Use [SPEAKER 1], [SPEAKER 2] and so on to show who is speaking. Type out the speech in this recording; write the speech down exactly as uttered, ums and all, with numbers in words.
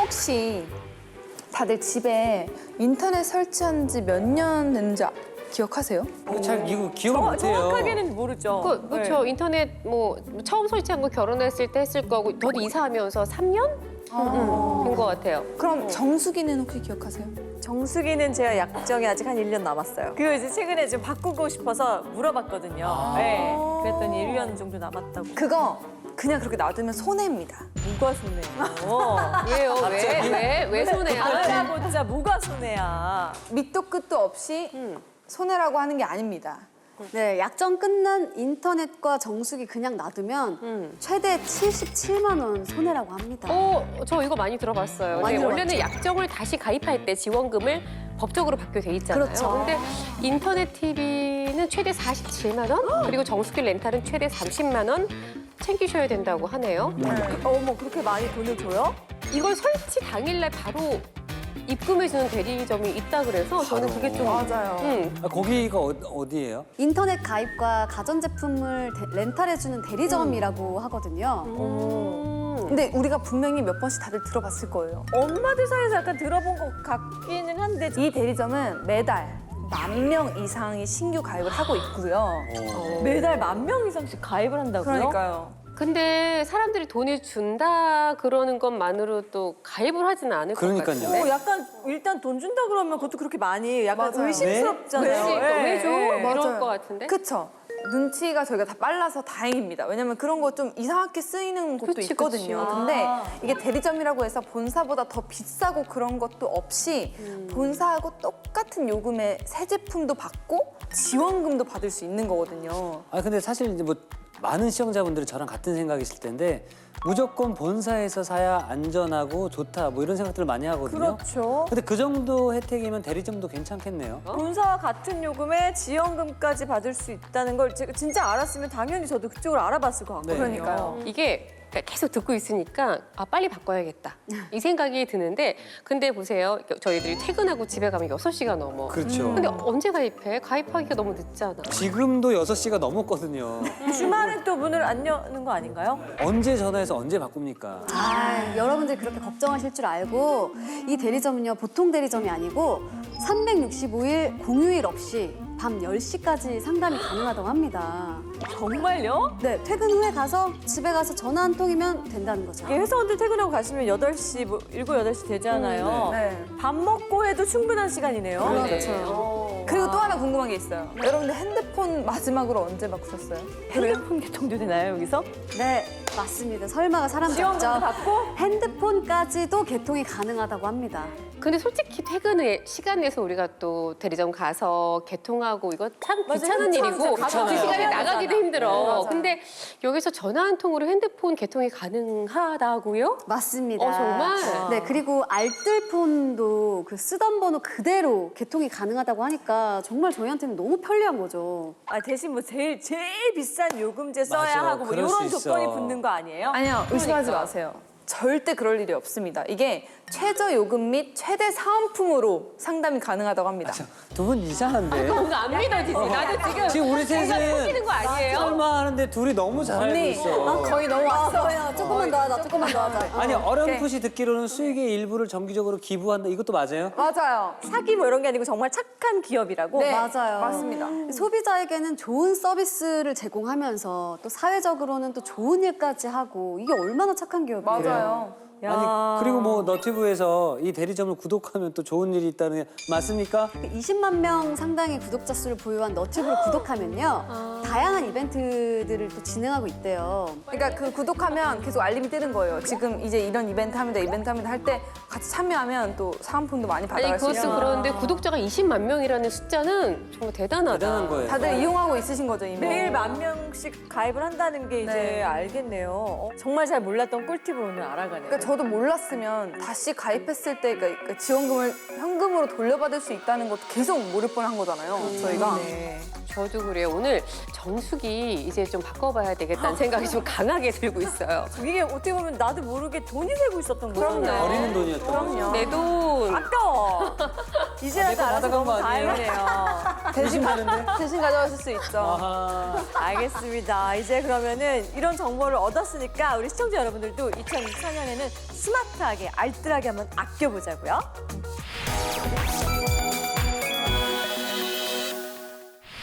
[SPEAKER 1] 혹시 다들 집에 인터넷 설치한 지 몇 년 됐는지 아- 기억하세요?
[SPEAKER 2] 잘 이거 기억을
[SPEAKER 3] 정-
[SPEAKER 2] 못해요.
[SPEAKER 3] 정확하게는 모르죠.
[SPEAKER 4] 그, 그렇죠. 인터넷 뭐 처음 설치한 거 결혼했을 때 했을 거고 저도 이사하면서 삼 년 된 것 같아요.
[SPEAKER 1] 그럼 정수기는 혹시 기억하세요?
[SPEAKER 3] 정수기는 제가 약정이 아직 한 일 년 남았어요. 그거 이제 최근에 좀 바꾸고 싶어서 물어봤거든요. 네. 그랬더니 일 년 정도 남았다고.
[SPEAKER 1] 그거 그냥 그렇게 놔두면 손해입니다.
[SPEAKER 3] 뭐가 손해야?
[SPEAKER 4] 왜요? 왜? 왜? 왜 손해야?
[SPEAKER 3] 알아보자 뭐가 손해야?
[SPEAKER 1] 밑도 끝도 없이 손해라고 하는 게 아닙니다.
[SPEAKER 5] 네, 약정 끝난 인터넷과 정수기 그냥 놔두면
[SPEAKER 4] 음.
[SPEAKER 5] 최대 칠십칠만 원 손해라고 합니다.
[SPEAKER 4] 어, 저 이거 많이 들어봤어요.
[SPEAKER 5] 많이
[SPEAKER 4] 근데 원래는
[SPEAKER 5] 들어봤죠?
[SPEAKER 4] 약정을 다시 가입할 때 지원금을 법적으로 받게 돼 있잖아요.
[SPEAKER 5] 그렇죠.
[SPEAKER 4] 근데 인터넷 티비는 최대 사십칠만 원, 그리고 정수기 렌탈은 최대 삼십만 원 챙기셔야 된다고 하네요.
[SPEAKER 3] 그, 어머 그렇게 많이 돈을 줘요?
[SPEAKER 4] 이걸 설치 당일날 바로 입금해주는 대리점이 있다 그래서 저는 그게 좀
[SPEAKER 1] 맞아요.
[SPEAKER 4] 음,
[SPEAKER 2] 아, 거기가 어, 어디예요?
[SPEAKER 5] 인터넷 가입과 가전제품을 데- 렌탈해주는 대리점이라고 하거든요.
[SPEAKER 4] 음.
[SPEAKER 1] 근데 우리가 분명히 몇 번씩 다들 들어봤을 거예요.
[SPEAKER 3] 엄마들 사이에서 약간 들어본 것 같기는 한데
[SPEAKER 1] 이 대리점은 매달 만 명 이상이 신규 가입을 하고 있고요.
[SPEAKER 3] 매달 만 명 이상씩 가입을 한다고요?
[SPEAKER 1] 그러니까요.
[SPEAKER 4] 근데 사람들이 돈을 준다 그러는 것만으로 또 가입을 하지는 않을 것
[SPEAKER 2] 그러니까요.
[SPEAKER 4] 같은데.
[SPEAKER 3] 어, 약간 일단 돈 준다 그러면 그것도 그렇게 많이 약간
[SPEAKER 1] 맞아요.
[SPEAKER 3] 의심스럽잖아요.
[SPEAKER 4] 그치?
[SPEAKER 3] 예,
[SPEAKER 4] 왜 줘?
[SPEAKER 3] 예.
[SPEAKER 4] 이럴
[SPEAKER 1] 맞아요.
[SPEAKER 4] 것 같은데.
[SPEAKER 1] 그쵸? 눈치가 저희가 다 빨라서 다행입니다. 왜냐면 그런 거 좀 이상하게 쓰이는 곳도
[SPEAKER 4] 그치,
[SPEAKER 1] 있거든요.
[SPEAKER 3] 그치.
[SPEAKER 1] 근데
[SPEAKER 3] 아.
[SPEAKER 1] 이게 대리점이라고 해서 본사보다 더 비싸고 그런 것도 없이 본사하고 똑같은 요금의 새 제품도 받고 지원금도 받을 수 있는 거거든요.
[SPEAKER 2] 아 근데 사실 이제 뭐 많은 시청자분들이 저랑 같은 생각이실 텐데 무조건 본사에서 사야 안전하고 좋다 뭐 이런 생각들을 많이 하거든요.
[SPEAKER 3] 그렇죠.
[SPEAKER 2] 근데 그 정도 혜택이면 대리점도 괜찮겠네요.
[SPEAKER 3] 본사와 같은 요금에 지원금까지 받을 수 있다는 걸 제가 진짜 알았으면 당연히 저도 그쪽을 알아봤을 것 같거든요.
[SPEAKER 2] 네.
[SPEAKER 1] 그러니까요.
[SPEAKER 4] 이게 계속 듣고 있으니까 아 빨리 바꿔야겠다 이 생각이 드는데 근데 보세요 저희들이 퇴근하고 집에 가면 여섯 시가 넘어.
[SPEAKER 2] 그렇죠.
[SPEAKER 4] 근데 언제 가입해? 가입하기가 너무 늦잖아.
[SPEAKER 2] 지금도 여섯 시가 넘었거든요.
[SPEAKER 3] 주말엔 또 문을 안 여는 거 아닌가요?
[SPEAKER 2] 언제 전화해서 언제 바꿉니까?
[SPEAKER 5] 아, 여러분들이 그렇게 걱정하실 줄 알고 이 대리점은요, 보통 대리점이 아니고 삼백육십오 일 공휴일 없이 밤 열 시까지 상담이 가능하다고 합니다.
[SPEAKER 3] 정말요?
[SPEAKER 5] 네, 퇴근 후에 가서 집에 가서 전화 한 통이면 된다는 거죠.
[SPEAKER 3] 이게 회사원들 퇴근하고 가시면 여덟 시, 뭐 일곱, 여덟 시 되잖아요.
[SPEAKER 1] 네.
[SPEAKER 3] 밥 먹고 해도 충분한 시간이네요.
[SPEAKER 4] 그렇죠.
[SPEAKER 1] 그리고 또 하나 궁금한 게 있어요. 여러분들 핸드폰 마지막으로 언제 바꾸셨어요?
[SPEAKER 3] 핸드폰 개통도 되나요, 여기서?
[SPEAKER 5] 네, 맞습니다. 설마가 사람
[SPEAKER 3] 지원금도
[SPEAKER 5] 잡죠.
[SPEAKER 3] 받고?
[SPEAKER 5] 핸드폰까지도 개통이 가능하다고 합니다.
[SPEAKER 4] 근데 솔직히 퇴근에 시간 내서 우리가 또 대리점 가서 개통하고 이거 참
[SPEAKER 3] 맞아요.
[SPEAKER 4] 귀찮은
[SPEAKER 3] 귀찮죠.
[SPEAKER 4] 일이고
[SPEAKER 3] 귀찮아요.
[SPEAKER 4] 그 시간에
[SPEAKER 3] 해야
[SPEAKER 4] 나가기도
[SPEAKER 3] 되잖아.
[SPEAKER 4] 힘들어.
[SPEAKER 1] 네, 맞아요.
[SPEAKER 4] 근데 여기서 전화 한 통으로 핸드폰 개통이 가능하다고요?
[SPEAKER 5] 맞습니다.
[SPEAKER 4] 어, 정말?
[SPEAKER 5] 네, 그리고 알뜰폰도 그 쓰던 번호 그대로 개통이 가능하다고 하니까 정말 저희한테는 너무 편리한 거죠.
[SPEAKER 3] 아, 대신 뭐 제일, 제일 비싼 요금제 써야
[SPEAKER 2] 맞아,
[SPEAKER 3] 하고 뭐
[SPEAKER 2] 그럴
[SPEAKER 3] 이런
[SPEAKER 2] 수
[SPEAKER 3] 조건이
[SPEAKER 2] 있어.
[SPEAKER 3] 붙는 거 아니에요?
[SPEAKER 1] 아니요, 의심하지
[SPEAKER 4] 그러니까.
[SPEAKER 1] 마세요. 절대 그럴 일이 없습니다. 이게 최저 요금 및 최대 사은품으로 상담이 가능하다고 합니다.
[SPEAKER 2] 두 분 이상한데?
[SPEAKER 4] 뭔가 안 믿어지지. 나도 지금
[SPEAKER 2] 지금 우리
[SPEAKER 4] 속이는
[SPEAKER 2] 셋은
[SPEAKER 4] 거 아니에요?
[SPEAKER 2] 설마 하는데 둘이 너무 잘 알고
[SPEAKER 1] 언니,
[SPEAKER 2] 있어.
[SPEAKER 1] 거의 너무 왔어.
[SPEAKER 5] 야, 조금만 더 하자, 조금만 더 하자.
[SPEAKER 2] 아니 어렴풋이 듣기로는 수익의 일부를 정기적으로 기부한다. 이것도 맞아요?
[SPEAKER 1] 맞아요.
[SPEAKER 3] 사기 뭐 이런 게 아니고 정말 착한 기업이라고?
[SPEAKER 1] 네,
[SPEAKER 5] 맞아요.
[SPEAKER 1] 맞습니다.
[SPEAKER 5] 소비자에게는 좋은 서비스를 제공하면서 또 사회적으로는 또 좋은 일까지 하고 이게 얼마나 착한 기업이에요.
[SPEAKER 1] 맞아요.
[SPEAKER 3] 야.
[SPEAKER 2] 아니 그리고 뭐 너튜브에서 이 대리점을 구독하면 또 좋은 일이 있다는 게 맞습니까?
[SPEAKER 5] 이십만 명 상당의 구독자 수를 보유한 너튜브를 구독하면요. 다양한 이벤트들을 또 진행하고 있대요.
[SPEAKER 1] 그러니까 그 구독하면 계속 알림이 뜨는 거예요. 지금 이제 이런 이벤트 합니다, 이벤트 합니다 할 때 같이 참여하면 또 사은품도 많이
[SPEAKER 4] 아니
[SPEAKER 1] 받아갈 수
[SPEAKER 4] 그것도
[SPEAKER 1] 있어요.
[SPEAKER 4] 그런데 구독자가 이십만 명이라는 숫자는 정말 대단하다.
[SPEAKER 2] 대단한 거예요.
[SPEAKER 1] 다들 이용하고 있으신 거죠, 이미?
[SPEAKER 3] 매일 만 명씩 가입을 한다는 게 이제
[SPEAKER 1] 네.
[SPEAKER 3] 알겠네요. 어, 정말 잘 몰랐던 꿀팁을 오늘 알아가네요.
[SPEAKER 1] 그러니까 저도 몰랐으면 다시 가입했을 때 그러니까 지원금을 현금으로 돌려받을 수 있다는 것도 계속 모를 뻔한 거잖아요, 저희가.
[SPEAKER 3] 네.
[SPEAKER 4] 저도 그래요. 오늘 정수기 이제 좀 바꿔봐야 되겠다는 생각이 좀 강하게 들고 있어요.
[SPEAKER 3] 이게 어떻게 보면 나도 모르게 돈이 되고 있었던 거잖아요.
[SPEAKER 2] 버리는 돈이었던 거죠.
[SPEAKER 1] 그럼요.
[SPEAKER 4] 내 돈.
[SPEAKER 3] 아까워. 이제라도
[SPEAKER 2] 내거
[SPEAKER 3] 알아서
[SPEAKER 2] 받아간
[SPEAKER 3] 너무
[SPEAKER 2] 거 아니에요?
[SPEAKER 3] 다행이네요.
[SPEAKER 1] 대신
[SPEAKER 2] 의심되는데?
[SPEAKER 1] 대신 가져가실 수 있죠.
[SPEAKER 2] 아하.
[SPEAKER 3] 알겠습니다. 이제 그러면은 이런 정보를 얻었으니까 우리 시청자 여러분들도 이천이십사 년에는 스마트하게 알뜰하게 한번 아껴보자고요.